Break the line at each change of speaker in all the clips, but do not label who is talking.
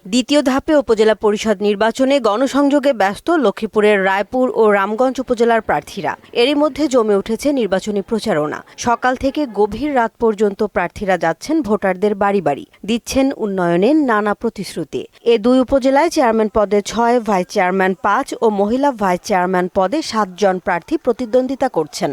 দ্বিতীয় ধাপে উপজেলা পরিষদ নির্বাচনে গণসংযোগে ব্যস্ত লক্ষ্মীপুরের রায়পুর ও রামগঞ্জ উপজেলার প্রার্থীরা। এরই মধ্যে জমে উঠেছে নির্বাচনী প্রচারণা। সকাল থেকে গভীর রাত পর্যন্ত প্রার্থীরা যাচ্ছেন ভোটারদের বাড়ি বাড়ি, দিচ্ছেন উন্নয়নের নানা প্রতিশ্রুতি। এ দুই উপজেলায় চেয়ারম্যান পদে ৬, ভাইস চেয়ারম্যান ৫ ও মহিলা ভাইস চেয়ারম্যান পদে ৭ জন প্রার্থী প্রতিদ্বন্দ্বিতা করছেন।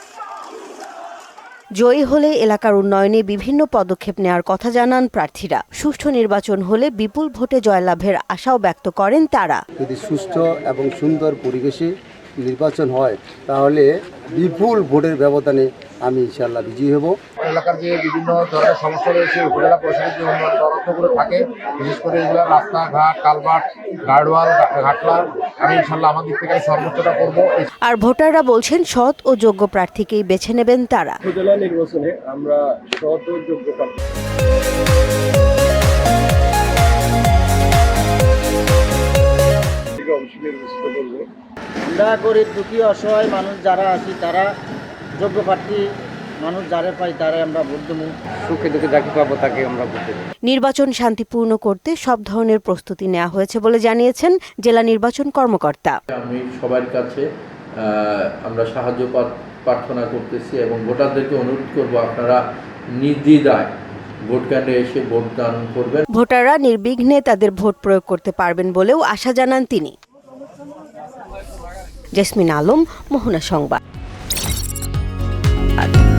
জয়ী হলে এলাকার উন্নয়নে বিভিন্ন পদক্ষেপ নেওয়ার কথা জানান প্রার্থীরা। সুষ্ঠু নির্বাচন হলে বিপুল ভোটে জয়লাভের আশাও ব্যক্ত করেন তারা।
যদি সুষ্ঠু এবং সুন্দর পরিবেশে নির্বাচন হয় তাহলে বিপুল ভোটের ব্যবধানে আমি ইনশাআল্লাহ বিজয়ী হব।
এলাকার যে বিভিন্ন ধরনের সমস্যা রয়েছে উপজেলা পরিষদের যে উন্নয়ন তদন্তগুলো থাকে, বিশেষ করে এগুলো রাস্তাঘাট, কালভার্ট, গার্ডওয়াল, ঘাটলা, আমি ইনশাআল্লাহ আমার দিক থেকে সর্বোচ্চটা করব।
আর ভোটাররা বলছেন সৎ ও যোগ্য প্রার্থীকেই বেছে নেবেন তারা।
উপজেলা নির্বাচনে আমরা সৎ ও যোগ্য প্রার্থী নির্বাচিত করব।
আমরা গরিব দুঃখী অসহায় মানুষ যারা আছি তারা যোগ্য প্রার্থী মানুষ যারা পাই তারাই আমরা ভোট দেবো।
সুখে দুঃখে যাকে পাবো তাকে আমরা ভোট দেব।
নির্বাচন শান্তিপূর্ণ করতে সব ধরনের প্রস্তুতি নেওয়া হয়েছে বলে জানিয়েছেন জেলা নির্বাচন কর্মকর্তা।
আমি সবার কাছে আমরা সাহায্য প্রার্থনা করতেছি এবং ভোটারদেরকে অনুরোধ করব আপনারা নির্দ্বিধায় ভোট কেন্দ্রে এসে ভোটদান করবেন।
ভোটাররা নির্বিঘ্নে তাদের ভোট প্রয়োগ করতে পারবেন বলেও আশা জানান তিনি। জেসমিন আলম, মোহনা সংবাদ।